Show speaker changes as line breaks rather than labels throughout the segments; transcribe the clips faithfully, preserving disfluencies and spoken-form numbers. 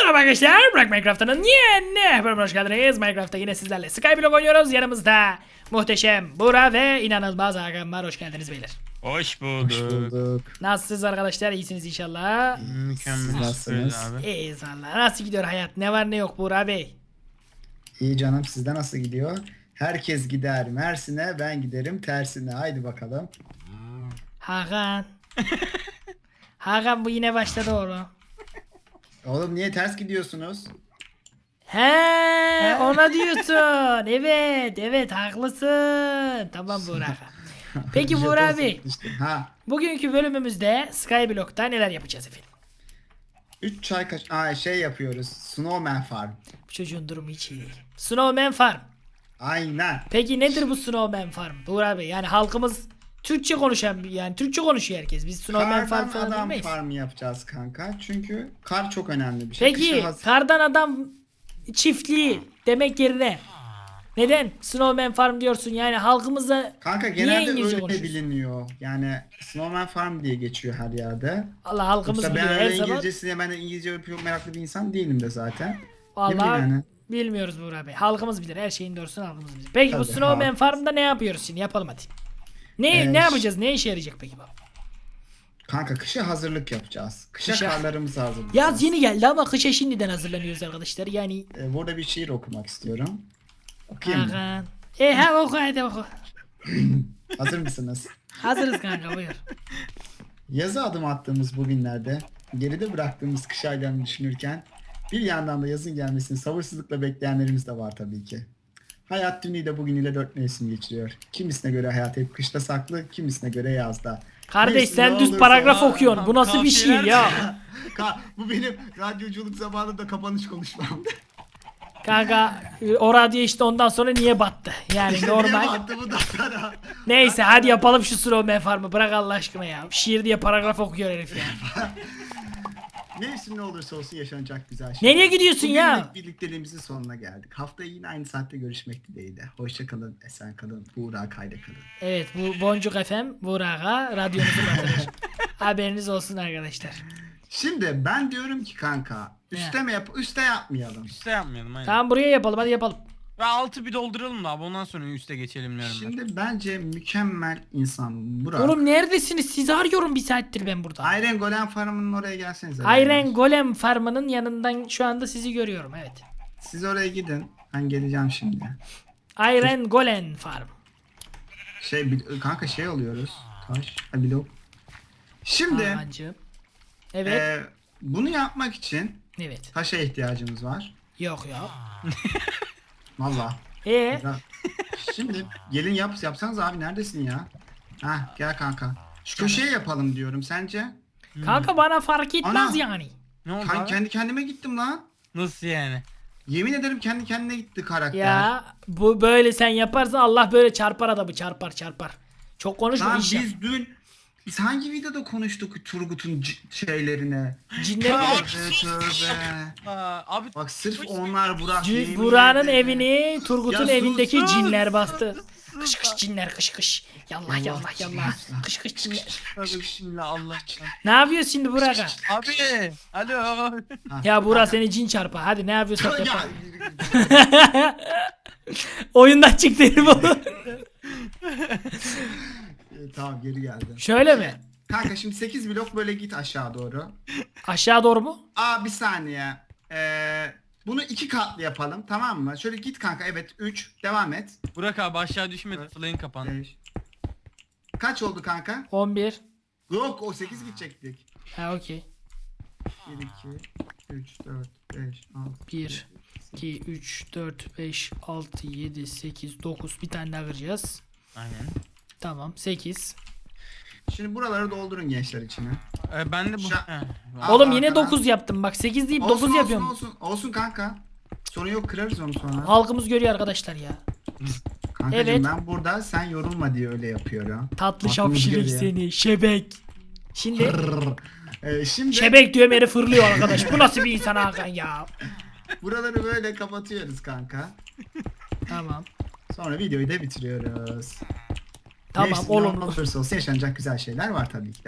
Merhaba arkadaşlar, Bırak Minecraft'ın yeni bölümüne hoş geldiniz. Minecraft'ta yine sizlerle Skyblock oynuyoruz. Yanımızda muhteşem Buğra ve inanılmaz Hakan var. Hoş geldiniz beyler.
Hoş bulduk.
Hoş bulduk.
Nasılsınız arkadaşlar? İyisiniz inşallah.
Mükemmel.
Nasılsınız?
Abi.
İyiyiz valla. Nasıl gidiyor hayat? Ne var ne yok Buğra Bey?
İyi canım, sizde nasıl gidiyor? Herkes gider Mersin'e, ben giderim tersine. Haydi bakalım.
Hakan. Hakan bu yine başladı oğlum.
Oğlum niye ters gidiyorsunuz?
He, ona diyorsun. Evet, evet haklısın. Tamam Buğra. Peki Buğra
Jeton
Bey,
sıkıştı. Ha.
bugünkü bölümümüzde Skyblock'ta neler yapacağız efendim?
üç çay kaş... Aa, şey yapıyoruz. Snowman Farm.
Bu çocuğun durumu hiç iyi değil. Snowman Farm.
Aynen.
Peki nedir bu Snowman Farm? Buğra Bey, yani halkımız Türkçe konuşan, yani Türkçe konuşuyor herkes. Biz Snowman Farm
Kardan
falan
adam
bilmeyiz.
farmı yapacağız kanka. Çünkü kar çok önemli bir şey.
Peki
Kışın haz-
kardan adam çiftliği demek yerine neden Snowman Farm diyorsun? Yani halkımıza
Kanka
niye
genelde
İngilizce
öyle
konuşuyorsun?
biliniyor. Yani Snowman Farm diye geçiyor her yerde.
Allah halkımız
Yoksa
biliyor
ben
her
öyle
zaman.
İngilizcesine, ben de İngilizce çok meraklı bir insan değilim de zaten. Ne bileyim
Vallahi
yani.
bilmiyoruz Buğra Bey. Halkımız bilir. Her şeyin doğrusunu halkımız bilir. Peki bu
Tabii,
Snowman
halk.
Farm'da ne yapıyoruz şimdi? Yapalım hadi. Ne
Ee,
ne yapacağız? Ne işe yarayacak peki bu?
Kanka kışa hazırlık yapacağız. Kışa,
Kışa-
karlarımızı hazırlayacağız.
Yaz yeni geldi ama kışa şimdiden hazırlanıyoruz arkadaşlar. Yani
Ee, burada bir şiir okumak istiyorum. Okuyayım mı?
Hakan. E ha oku hadi oku.
Hazır mısınız?
Hazırız kanka buyur.
Yaza adım attığımız bu günlerde geride bıraktığımız kış aylarını düşünürken bir yandan da yazın gelmesini sabırsızlıkla bekleyenlerimiz de var tabii ki. Hayat dünüyle bugünüyle dört mevsim geçiriyor. Kimisine göre hayat hep kışta saklı, kimisine göre yazda.
Kardeş
Neyse,
sen
ne
düz
olursa-
paragraf okuyorsun. Bu nasıl bir şiir
Kafiyeler-
ya?
Ka- bu benim radyoculuk zamanında kapanış konuşmam.
Kanka o radyo işte ondan sonra niye battı? Yani
İşte
normal.
niye battı bu da sana?
Neyse hadi yapalım şu Snowman Farm'ı. Bırak Allah aşkına ya. Şiir diye paragraf okuyor herif ya.
Mevsim ne olursa olsun yaşanacak güzel şey.
Nereye gidiyorsun ya?
Bugünlük birlikteliğimizin sonuna geldik. Haftaya yine aynı saatte görüşmek dileğiyle. Hoşça kalın, esen kalın, Buğra kayda kalın.
Evet bu Boncuk F M Burak'a radyomuzu batırır. Haberiniz olsun arkadaşlar.
Şimdi ben diyorum ki kanka, üste mi yap, üste yapmayalım.
Üste yapmayalım aynen.
Tamam buraya yapalım hadi yapalım.
Ve altı bir dolduralım da abi ondan sonra üste geçelim diyorum ben.
Şimdi bence mükemmel insan Burak.
Oğlum neredesiniz? Sizi arıyorum bir saattir ben burada.
Iron Golem Farm'ının oraya gelsenize.
Iron Golem Farm'ının yanından şu anda sizi görüyorum evet.
Siz oraya gidin. Ben geleceğim şimdi.
Iron Golem Farm.
Şey bil- kanka şey alıyoruz. Taş, ha, blok. Şimdi
Hancığım. Evet.
e, bunu yapmak için
Evet.
taşa ihtiyacımız var.
Yok ya.
Valla.
Ee,
Ya, Şimdi gelin yap yapsanız abi, neredesin ya? Ha gel kanka. Şu köşeye yapalım diyorum, sence?
kanka bana fark etmez
Ana.
yani.
Ne oldu
Ben
abi?
kendi kendime gittim lan.
Nasıl yani?
Yemin ederim kendi kendine gitti karakter.
Ya bu böyle sen yaparsan Allah böyle çarpar adamı çarpar çarpar. Çok konuşma
Lan
iş yap.
biz dün biz hangi videoda konuştuk Turgut'un c- şeylerini?
Cinleri mi?
Tövbe tövbe.
Aa, abi
Bak sırf onlar Burak.
C-
yemin
Buranın
ederim.
evini Turgut'un
Ya
evindeki
sus, sus.
cinler bastı. Kış kış cinler kış kış. Yallah
Allah
yallah yallah.
Allah.
Kış kış cinler.
tövbe bismillah Allah.
Ne yapıyorsun şimdi Burak'a?
Abi alo.
Ya Burak seni cin çarpar. Hadi ne yapıyorsan
Ya,
yap. Oyundan çıktı herif oğlum.
e, tamam geri geldim.
Şöyle mi?
Kanka şimdi sekiz blok böyle git aşağı doğru.
Aşağı doğru mu?
Aa bir saniye. Ee, bunu iki katlı yapalım, tamam mı? Şöyle git kanka, evet üç, devam et.
Burak abi aşağı düşme, flayın kapandı.
beş. Kaç oldu kanka?
on bir.
Yok, o sekiz gidecektik.
Ha okey.
bir, iki, üç, dört, beş, altı.
bir, iki, üç, dört, beş, altı, yedi, sekiz, dokuz. Bir tane daha kıracağız.
Aynen.
Tamam sekiz.
Şimdi buraları doldurun gençler içine.
Ee, ben de bu.
Şa-
Heh.
Aa,
Oğlum yine
arkadan.
dokuz yaptım. Bak sekiz deyip
Olsun,
dokuz
olsun,
yapıyorum.
Olsun olsun kanka. Sorun yok, kırarız onu sonra.
Halkımız görüyor arkadaşlar ya.
Kankacığım
Evet.
ben burada sen yorulma diye öyle yapıyorum.
Tatlı
Halkımız
şapşirik
görüyor.
seni. Şebek. Şimdi
Rrrr. Ee, şimdi
şebek diyorum yere fırlıyor arkadaş. Bu nasıl bir insan Hakan ya?
buraları böyle kapatıyoruz kanka.
Tamam.
Sonra videoyu da bitiriyoruz.
Tamam
Neyse,
oğlum.
ne olursa olsun yaşanacak güzel şeyler var tabii ki de.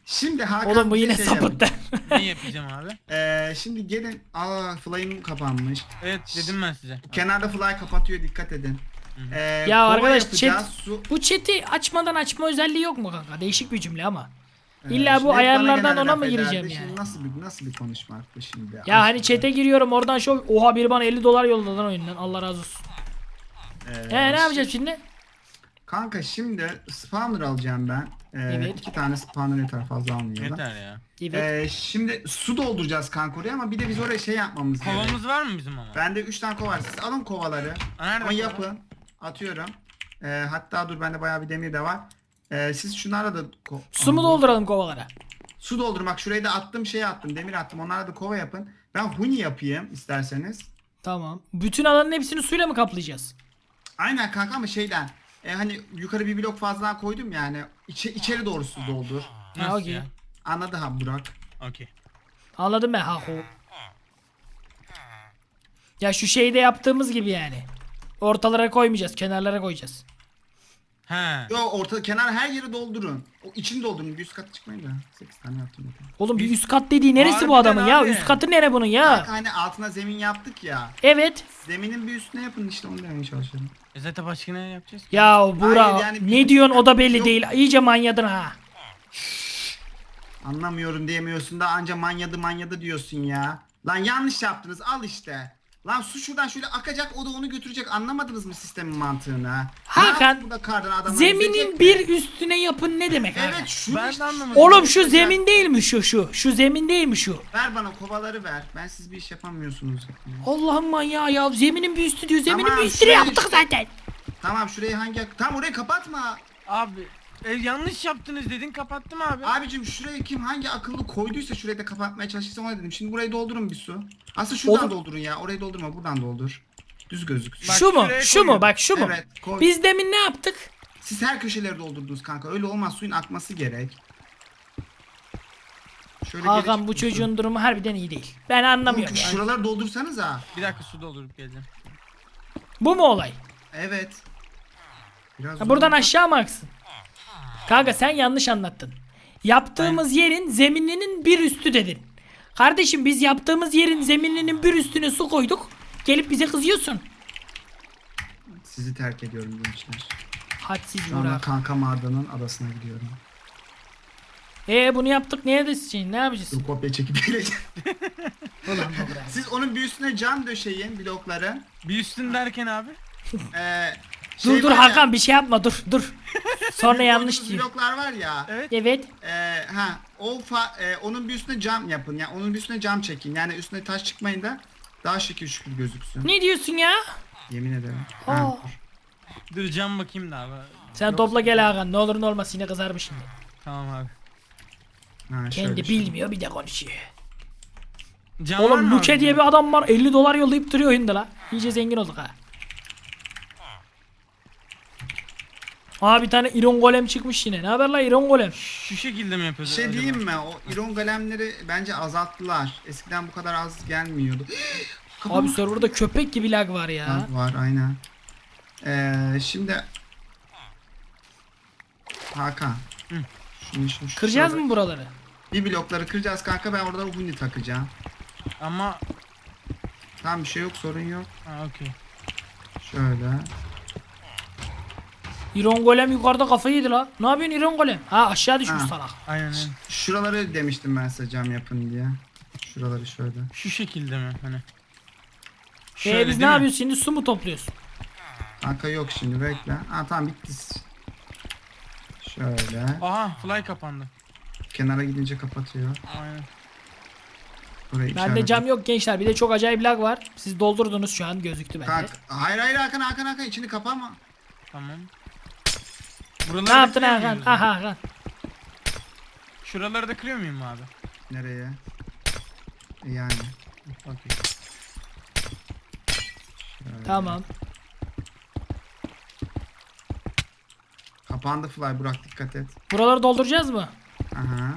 Şimdi Hakan
Oğlum bu
bir
yine
şey
sapıttı.
Ne yapacağım abi?
yap- Ee, şimdi gelin. Aa fly'ım kapanmış.
Evet dedim ben size.
Kenarda fly kapatıyor, dikkat edin. Ee,
Ya
kova
arkadaş,
yapacağız,
chat-
su.
Bu chat'i açmadan açma özelliği yok mu kanka? Değişik bir cümle ama.
Ee,
İlla
şimdi
bu
hep bana
ayarlardan
genelde
ona
laf
mı
ederdi.
gireceğim
Şimdi
yani?
nasıl bir nasıl bir konuşma arttı şimdi?
Ya hani
Aslında.
chat'e giriyorum oradan şu oha biri bana elli dolar yolladı lan oyundan. Allah razı olsun.
Ee,
He ne yapacağız şimdi?
Kanka şimdi spawner alacağım ben. Ee,
Evet.
iki tane spawner yeter, fazla almayalım.
Yeter ya.
Evet.
Ee, şimdi su dolduracağız kanka oraya, ama bir de biz oraya şey yapmamız gerekiyor.
Kovamız var mı bizim ama?
Bende üç tane kova var. Siz alın kovaları.
Aa, nerede
Ama
kova?
yapın. Atıyorum. Ee, hatta dur, bende bayağı bir demir de var. Ee, siz şunlarla da ko-
Su mu
Aa,
dolduralım kovalara?
Su doldurmak. Şurayı da attım, şey attım, demir attım. Onlarla da kova yapın. Ben huni yapayım isterseniz.
Tamam. Bütün alanın hepsini suyla mı kaplayacağız?
Aynen kanka, ama şeyden. E, hani yukarı bir blok fazla koydum yani. İçe, içeri doğru su doldur.
Ha,
Nasıl
okey.
ya?
Anladı ha Burak.
Okey.
Anladım ben ha ho. Ya şu şeyde yaptığımız gibi yani. Ortalara koymayacağız, kenarlara koyacağız.
He.
Yo, orta kenar her yeri doldurun. O içini doldurun. Bir üst kat çıkmayın da. sekiz tane yaptım. zaten.
Oğlum bir üst kat dediği neresi bu
Harbiden
adamın ya?
abi.
Üst katı nere bunun ya?
Kanka hani altına zemin yaptık ya.
Evet.
Zeminin bir üstüne yapın işte, onu demeye çalışıyorum.
E zaten başka ne yapacağız?
Ya Buğra
Hayır, yani
ne
bir-
diyorsun o da belli
Yok.
değil. İyice manyadın ha.
Anlamıyorum diyemiyorsun da anca manyadı manyadı diyorsun ya. Lan yanlış yaptınız, al işte. Lan su şuradan şöyle akacak, o da onu götürecek. Anlamadınız mı sistemin mantığını?
Hakan,
Bu da kardan adamlar
Zeminin
yüzecek
bir
mi?
üstüne yapın ne demek abi?
Evet şu
Ben de
işte.
anlamadım.
Oğlum şu zemin değil mi şu şu? Şu zemin değil mi şu?
Ver bana kovaları ver. Ben siz bir iş yapamıyorsunuz.
Allah'ım manyağı ya. Zeminin bir üstü diyor. Zeminin
Tamam,
bir üstüne
şuraya
yaptık
işte.
zaten.
Tamam, şurayı hangi... Tam orayı kapatma.
Abi e, yanlış yaptınız dedin kapattım abi.
Abicim şurayı kim hangi akıllı koyduysa şurayı da kapatmaya çalışırsa ona dedim. Şimdi burayı doldurun bir su. Aslında şuradan
Oğlum-
doldurun ya. Orayı doldurma, buradan doldur. Düz gözüksün.
Bak
Şu mu?
şuraya
Şu mu?
koyuyorum.
Bak şu mu?
Evet, koy.
Biz demin ne yaptık?
Siz her köşeleri doldurdunuz kanka. Öyle olmaz, suyun akması gerek. Şöyle geri
Hakan
çık
bu
su.
çocuğun durumu harbiden iyi değil. Ben anlamıyorum.
Oğlum,
yani.
şuraları doldursanız ha.
Bir dakika su doldurup geleceğim.
Bu mu olay?
Evet. Biraz
Ha, buradan
zor.
aşağı mı aksın? Kanka sen yanlış anlattın. Yaptığımız yerin zemininin bir üstü dedin. Kardeşim biz yaptığımız yerin zemininin bir üstüne su koyduk. Gelip bize kızıyorsun.
Sizi terk ediyorum gençler.
Hadsiz
Şu anda
Burak.
kankam Arda'nın adasına gidiyorum.
Eee bunu yaptık neye de şey, ne yapacağız?
Dur, kopya çekip geleceğim.
Ulan bu Burak.
Siz onun bir üstüne cam döşeyin, blokları.
Bir üstün derken abi.
Ee,
Dur
şey
dur
var ya,
Hakan bir şey yapma dur dur. Sonra yanlış
koyduğunuz
diyor.
bloklar var ya.
Evet.
Evet.
Ee, ha o fa, e, onun bir üstüne cam yapın. Yani onun bir üstüne cam çekin. Yani üstüne taş çıkmayın da daha şekil şükür gözüksün.
Ne diyorsun ya?
Yemin ederim.
Aa.
Ha, dur.
Dur cam bakayım da abi.
Sen topla gel Hakan ne olur ne olmaz yine kızarmış şimdi.
Tamam abi.
Ha,
Kendi
şöyle, şöyle.
bilmiyor bir de konuşuyor.
Cam var
Oğlum
mı
Luke
abi?
diye bir adam var elli dolar yollayıp duruyor oyunda la. İyice zengin olduk ha. Aa bir tane Iron Golem çıkmış yine. Ne haber la Iron Golem?
Şu şekilde mi
Bir
yapıyoruz
şey
acaba?
diyeyim mi? O iron golemleri bence azalttılar. Eskiden bu kadar az gelmiyordu.
Abi serverda köpek gibi lag var ya.
Ha, var aynen. Ee, şimdi Hakan.
Hı.
Şunu, şunu, şu
Kıracağız
sırada-
mı buraları?
Bir blokları kıracağız kanka, ben orada huni takacağım.
Ama
Tamam, bir şey yok, sorun yok.
ha okey.
Şöyle.
Iron Golem yukarıda kafayı yedi la. Ne yapıyorsun Iron Golem? Ha aşağı düşmüş
Ha.
salak.
Aynen öyle.
Şuraları demiştim ben size cam yapın diye. Şuraları şöyle.
Şu şekilde mi hani?
Ee biz ne
değil mi?
yapıyoruz şimdi su mu topluyoruz?
Kanka yok şimdi, bekle. Ha tamam, bitti. Şöyle.
Aha fly kapandı.
Kenara gidince kapatıyor.
Aynen.
Burayı
Bende
işaret-
cam yok gençler. Bir de çok acayip lag var. Siz doldurdunuz şu an gözüktü bende.
Kanka, hayır hayır Hakan Hakan Hakan içini kapama.
Tamam. Buraları
Ne
da
yaptın
kırıyor
Hakan?
muyuz?
Aha Hakan.
Şuraları da kırıyor muyum abi?
Nereye? E Yani.
Okey.
Şöyle.
Tamam.
Kapandı fly, Burak dikkat et.
Buraları dolduracağız mı?
Aha.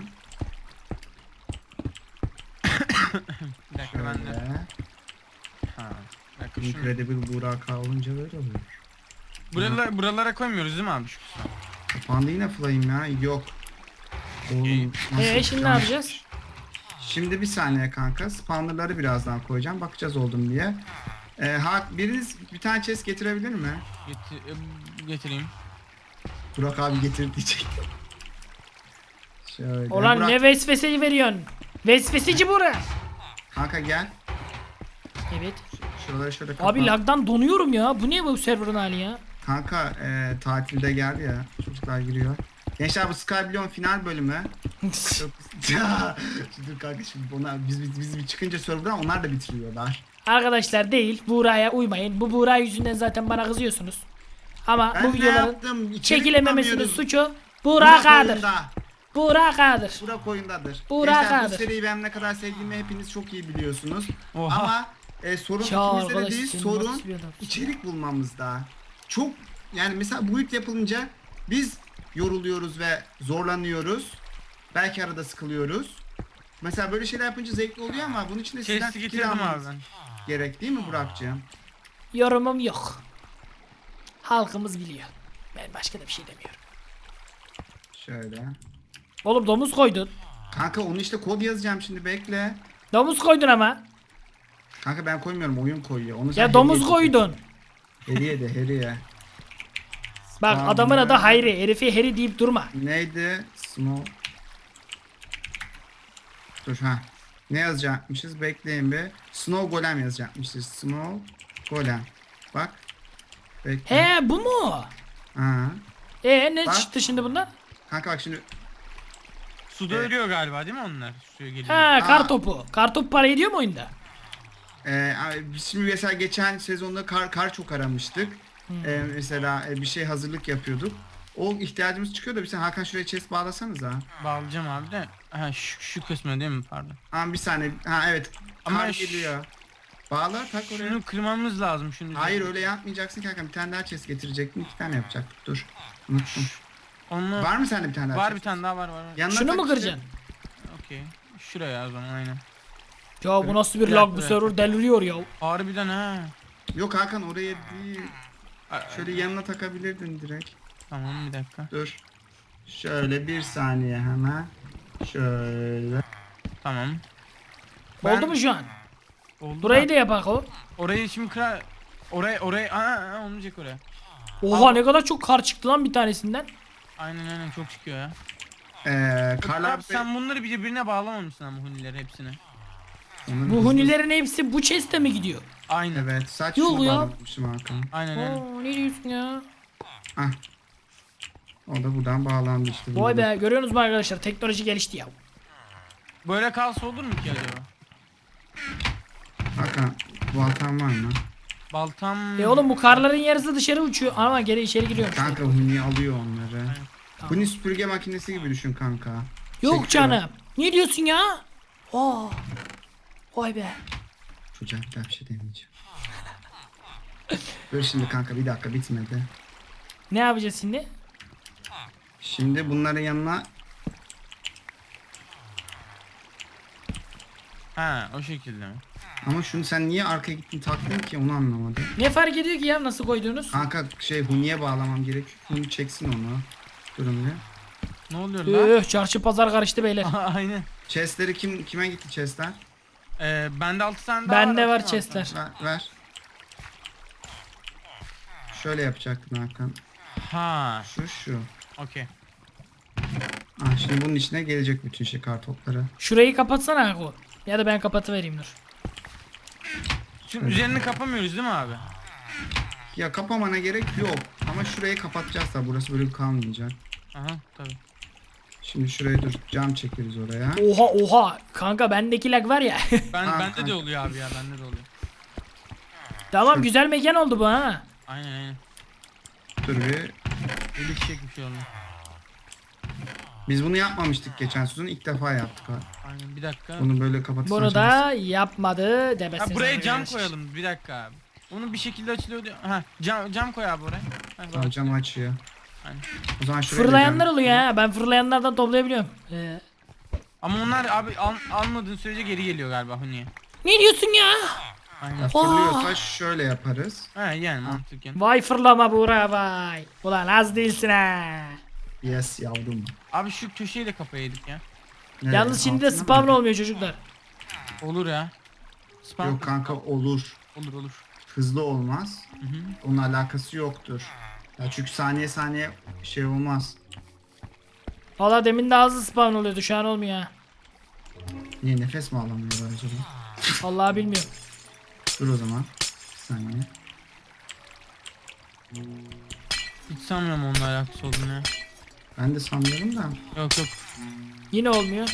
Bir dakika ben de.
Şöyle.
Ha. Bir dakika şunu.
Incredible Burak olunca böyle oluyor.
Buralara, buralara koymuyoruz değil mi abi şu kısmı?
Kapandı yine fly'im ya. Yok. Oğlum, nasıl
Ee şimdi ne
yanlış-
yapacağız?
Şimdi bir saniye kanka. Spawnerları birazdan koyacağım. Bakacağız oldum diye. Ee, ha, biriniz bir tane chest getirebilir mi?
Getir, e, getireyim.
Burak abi getir diyecek. Şöyle.
Ulan
Burak,
ne vesveseyi veriyorsun? Vesveseci bura.
kanka gel.
Evet.
Şuraları şöyle kapa.
Abi lagdan donuyorum ya. Bu ne bu serverın hali ya?
Kanka e, tatilde geldi ya. Çocuklar giriyor. Gençler bu Skyblion final bölümü. Çok... Dur kanka şimdi onlar, biz, biz, biz bir çıkınca serverdan onlar da bitiriyorlar.
Arkadaşlar değil. Buğra'ya uymayın. Bu Buğra yüzünden zaten bana kızıyorsunuz. Ama
Ben
bu
ne
videoların
yaptım? İçerik
çekilememesinin
bulamıyoruz.
suçu
Burak
Buğra K'dır.
oyunda.
Buğra K'dır.
Burak oyundadır.
Burak
Gençler bu
K'dır.
seriyi ben ne kadar sevdiğimi hepiniz çok iyi biliyorsunuz.
Oha.
Ama e, sorun
Ya
ikimizde de
arkadaş,
değil,
senin
sorun
nasıl bir adamsın?
içerik bulmamızda. Çok yani mesela bu ilk yapılınca biz yoruluyoruz ve zorlanıyoruz. Belki arada sıkılıyoruz. Mesela böyle şeyler yapınca zevkli oluyor ama bunun için de sizden
Chest'i
fikir
getirdim abi
almanız
ben.
gerek değil mi Burak'cığım?
Yorumum yok. Halkımız biliyor. Ben başka da bir şey demiyorum.
Şöyle.
Oğlum domuz koydun.
Kanka onu işte kod yazacağım şimdi bekle.
Domuz koydun ama.
Kanka ben koymuyorum oyun koyuyor. Onu sen
Ya domuz
hediye-
koydun.
Hediye de hediye.
Bak
Tamam
adamın
ya.
adı Hayri. Herifi Heri deyip durma.
Neydi? Snow. Dur ha. Ne yazacakmışız? Bekleyin bir. Snow Golem yazacakmışız. Snow Golem. Bak. Bekle.
He bu mu?
Ha.
E ne
Bak.
çıktı şimdi bundan?
Kanka bak şimdi.
Suda
Evet.
ölüyor galiba değil mi onlar? Suya geliyor.
Ha kar
Aa.
topu. Kar topu para ediyor mu oyunda?
E, biz şimdi mesela geçen sezonda kar, kar çok aramıştık. E, mesela e, bir şey hazırlık yapıyorduk. O ihtiyacımız çıkıyor da bir sen Hakan şuraya chest bağlasanız ha.
Bağlayacağım abi de. Ha şu, şu kısmı değil mi pardon.
Ha bir saniye. Ha evet.
Ama
Kar
ş-
geliyor. Bağla tak oraya.
Şunu kırmamız lazım şunu.
Hayır öyle yapmayacaksın kanka. Bir tane daha chest getirecektin. İki tane yapacaktık. Dur. Unuttum.
Onu
Var mı sende bir tane daha
var
chest?
bir tane daha var var. var.
Yanına
Şunu
tak
mu
işte.
kıracaksın?
Okey. Şuraya o zaman aynen.
Ya bu nasıl bir
Bir
lag bu
dakika,
server deliriyor ya.
Harbiden ha.
Yok Hakan oraya değil.
A-
Şöyle yanına takabilirdin direkt.
Tamam bir dakika.
Dur. Şöyle bir saniye hemen. Şöyle.
Tamam.
Ben-
Oldu mu şu an?
Oldu
Burayı
da.
da yapak o.
Orayı şimdi kırar. Oraya oraya aa, aa olmayacak oraya.
Oha ne kadar çok kar çıktı lan bir tanesinden.
Aynen aynen çok çıkıyor ya.
Ee, Karlar
Abi sen bunları birbirine bağlamamışsın ama hunileri hepsini.
Onun
Bu
hızlı-
hunilerin hepsi bu chest'e mi gidiyor?
Aynen.
Evet saç
Yok
şunu
ya.
bağlamışım Hakan.
Aynen aynen.
Oo ne diyorsun ya?
Ah. O da buradan bağlandı işte.
Vay
burada.
be görüyorsunuz mu arkadaşlar teknoloji gelişti ya.
Böyle kalsa olur mu ki acaba?
Hakan baltan var mı?
Baltam...
E oğlum bu karların yarısı dışarı uçuyor ama geri içeri giriyor.
Kanka Huni alıyor onları.
Tamam.
Huni süpürge makinesi gibi düşün kanka.
Yok
Çekiyor.
canım. Ne diyorsun ya? Aa. Vay be.
Çocuğa bir daha bir şey demeyeceğim. Dur şimdi kanka bir dakika bitmedi.
Ne yapacağız şimdi?
Şimdi bunların yanına
Ha o şekilde mi?
ama şunu sen niye arkaya gittin taktın ki onu anlamadım.
Ne fark ediyor ki ya nasıl koyduğunuz?
Kanka şey Huni'ye bağlamam gerekiyor. Huni çeksin onu. Durun bir.
Ne oluyor lan?
Üh çarşı pazar karıştı beyler.
Aynen.
Chestleri kim kime gitti chestler?
Ee, bende altı tane daha
Bende var
atsana
chestler.
Ver, ver. Şöyle yapacaktın Hakan.
altına. Ha,
Şu şu.
okey.
Ah şimdi bunun içine gelecek bütün şey kartopları.
Şurayı kapatsana Ako. Ya da ben kapatıvereyim dur.
Şimdi üzerini kapamıyoruz değil mi abi?
Ya kapamana gerek yok. Ama şurayı kapatacağız da burası böyle kalmayacak.
Aha tabii.
Şimdi şuraya dur cam çekeriz oraya.
Oha oha. Kanka bendeki lag var ya.
Ben
Ha,
bende
kanka.
de oluyor abi ya bende de oluyor.
Tamam güzel mekan oldu bu ha.
Aynen aynen.
Dur bir.
Gelişecek bir şey oldu.
Biz bunu yapmamıştık geçen sezon. İlk defa yaptık ha.
Aynen bir dakika.
Bunu böyle kapatırsan.
Bunu da yapmadı demesiniz.
Ha buraya cam
arkadaşlar.
koyalım bir dakika abi. Onu bir şekilde açılıyor diyor. Ha cam, cam koy abi oraya. Ha,
Tamam,
bak.
cam açıyor.
Aynen.
O zaman şuraya da
Fırlayanlar
cam-
oluyor ha. Ben fırlayanlardan toplayabiliyorum. Ee,
Ama onlar abi al, almadığın sürece geri geliyor galiba Huni'ye.
ne diyorsun ya?
Aynen.
Ya fırlıyorsa şöyle yaparız.
Ha yani mantıken.
Vay fırlama Buğra vay. Ulan az değilsin ha.
Yes yavrum.
Abi şu köşeyi de kapayaydık ya.
Evet,
Yalnız şimdi de
altına
spawn
mı?
olmuyor çocuklar.
Olur ya. Spam.
Yok kanka olur.
Olur olur.
Hızlı olmaz.
Hı hı.
Onun alakası yoktur. Ya çünkü saniye saniye şey olmaz.
Valla demin de hızlı spawn oluyordu, şu an olmuyor ha.
Niye nefes mi alamıyorlar acaba?
Vallahi bilmiyorum.
Dur o zaman. Bir saniye.
Hiç sanmıyorum onunla alakası olduğunu ya.
Ben de sanmıyorum da.
Yok yok.
Yine olmuyor.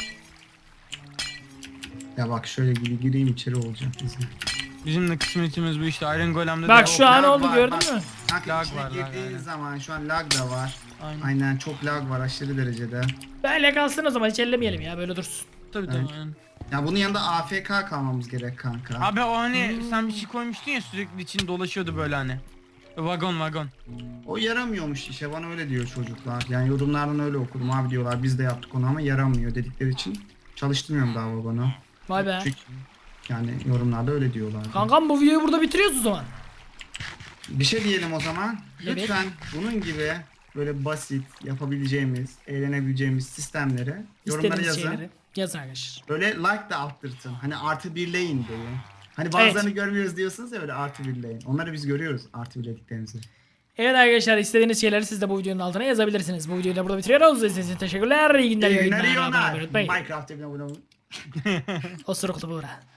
Ya bak şöyle gir- gireyim içeri olacak izle.
Bizim de kısmetimiz bu işte. Iron Golem'de
Bak
de
şu an
lag
oldu,
var,
gördün
bak.
mü?
Kanka
Lag
içine
var, lag,
girdiğin
aynen.
zaman şu an lag da var.
Aynen.
Aynen çok lag var aşırı derecede.
Böyle kalsın o zaman, hiç ellemeyelim ya, böyle dursun.
Tabii tabii.
Evet.
aynen.
Ya bunun yanında A F K kalmamız gerek kanka.
Abi o hani sen bir şey koymuştun ya, sürekli için dolaşıyordu böyle hani. Vagon vagon.
O yaramıyormuş işe, bana öyle diyor çocuklar. Yani yorumlardan öyle okudum, abi diyorlar biz de yaptık onu ama yaramıyor dedikleri için çalıştırmıyorum daha babana.
Vay be.
Çünkü yani yorumlarda öyle diyorlar.
Kankam bu videoyu burada bitiriyoruz o zaman.
Bir şey diyelim o zaman.
Evet.
Lütfen bunun gibi böyle basit yapabileceğimiz, eğlenebileceğimiz sistemleri yorumlara
İstediğiniz
yazın.
şeyleri yazın arkadaşlar.
Böyle like da arttırtın. Hani artı birleyin diye. Hani bazılarını
Evet.
görmüyoruz diyorsunuz ya, böyle artı birleyin. Onları biz görüyoruz, artı birlediklerimizi.
Evet arkadaşlar, istediğiniz şeyleri siz de bu videonun altına yazabilirsiniz. Bu videoyu da burada bitiriyoruz. İzlediğiniz için teşekkürler. İyi günler.
İyi
iyi
günler, iyi
yayınlar. Abone
oyunlar.
olmayı unutmayın.
Minecraft'ta bir abone olun.
Osuruklu buğra.